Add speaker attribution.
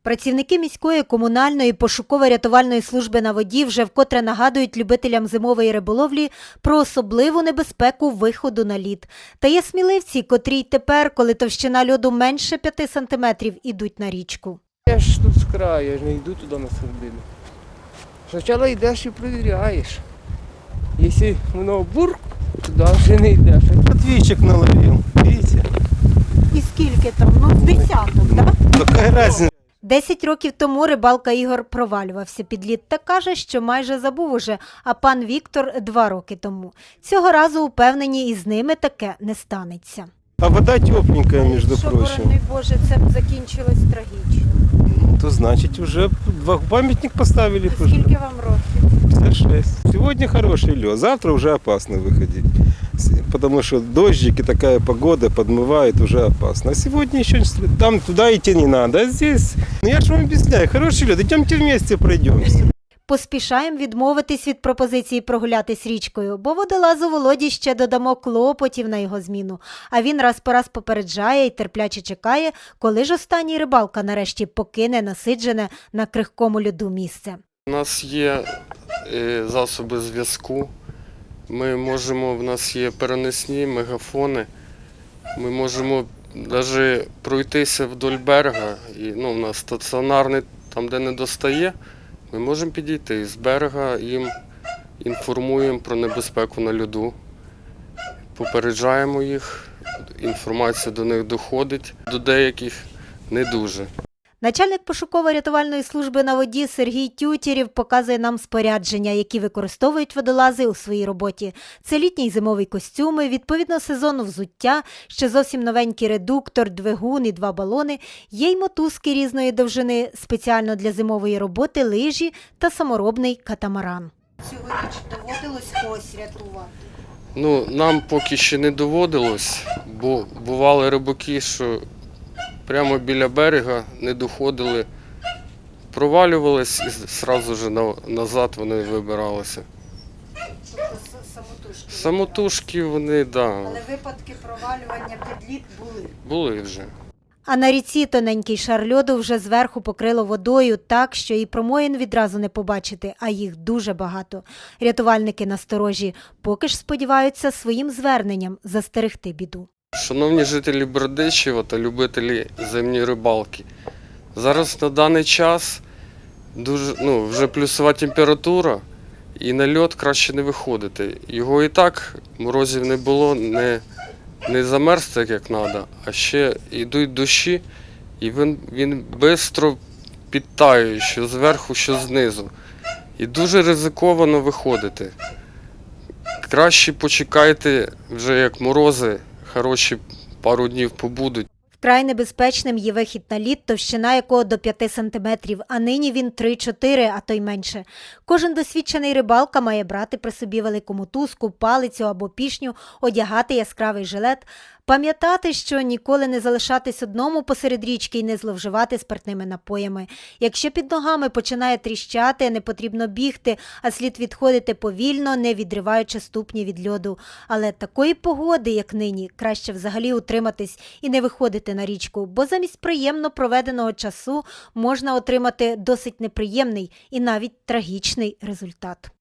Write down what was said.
Speaker 1: Працівники міської комунальної пошуково-рятувальної служби на воді вже вкотре нагадують любителям зимової риболовлі про особливу небезпеку виходу на лід. Та є сміливці, котрі й тепер, коли товщина льоду менше 5 сантиметрів, ідуть на річку.
Speaker 2: Я ж тут з краю, я ж не йду туди на середину. Спочатку йдеш і перевіряєш. Якщо воно бурк, туди вже не йдеш.
Speaker 3: Отвечек наловил, видите?
Speaker 1: І скільки там? З десяток, так?
Speaker 3: Какая разница?
Speaker 1: 10 років тому рибалка Ігор провалювався під лід та каже, що майже забув уже, а пан Віктор 2 роки тому. Цього разу упевнені, і з ними таке не станеться.
Speaker 3: А вода тепленькая, между прочим.
Speaker 1: борони Боже, це б закінчилось трагічно.
Speaker 3: То значит уже памятник поставили.
Speaker 1: Скільки вам років?
Speaker 3: 56. Сегодня хороший лед, завтра уже опасно выходить. Потому что дождик и такая погода подмывает, уже опасно. А сегодня еще там туда идти не надо, а здесь... Ну я же вам объясняю, хороший лед, идемте вместе пройдемся.
Speaker 1: Поспішаємо відмовитись від пропозиції прогулятись річкою, бо водолазу Володі ще додамо клопотів на його зміну. А він раз по раз попереджає і терпляче чекає, коли ж останній рибалка нарешті покине насиджене на крихкому льоду місце.
Speaker 4: У нас є засоби зв'язку, в нас є переносні мегафони, ми можемо навіть пройтися вдоль берега, у нас стаціонарний, там де не достає, ми можемо підійти з берега, їм інформуємо про небезпеку на льоду, попереджаємо їх, інформація до них доходить, до деяких не дуже.
Speaker 1: Начальник пошуково-рятувальної служби на воді Сергій Тютєрєв показує нам спорядження, які використовують водолази у своїй роботі. Це літній зимовий костюми, відповідно сезону взуття, ще зовсім новенький редуктор, двигун і 2 балони, є й мотузки різної довжини, спеціально для зимової роботи, лижі та саморобний катамаран. Цьогоріч доводилось когось рятувати?
Speaker 4: Нам поки ще не доводилось, бо бували рибаки, що прямо біля берега не доходили, провалювались і одразу ж назад вони вибиралися.
Speaker 1: Тобто самотужки?
Speaker 4: Самотужки вони, так.
Speaker 1: Але випадки провалювання під лід були?
Speaker 4: Були вже.
Speaker 1: А на ріці тоненький шар льоду вже зверху покрило водою так, що і промоїн відразу не побачити, а їх дуже багато. Рятувальники насторожі, поки ж сподіваються своїм зверненням застерегти біду.
Speaker 4: Шановні жителі Бердичева та любителі зимньої рибалки, зараз на даний час вже плюсова температура і на льод краще не виходити. Його і так морозів не було, не замерз так як треба, а ще йдуть дощі і він швидко підтаює, що зверху, що знизу. І дуже ризиковано виходити. Краще почекайте вже як морози, хороші пару днів побудуть.
Speaker 1: Вкрай небезпечним є вихід на лід, товщина якого до 5 сантиметрів, а нині він 3-4, а то й менше. Кожен досвідчений рибалка має брати при собі велику мотузку, палицю або пішню, одягати яскравий жилет, пам'ятати, що ніколи не залишатись одному посеред річки і не зловживати спиртними напоями. Якщо під ногами починає тріщати, не потрібно бігти, а слід відходити повільно, не відриваючи ступні від льоду. Але такої погоди, як нині, краще взагалі утриматись і не виходити на річку, бо замість приємно проведеного часу можна отримати досить неприємний і навіть трагічний результат.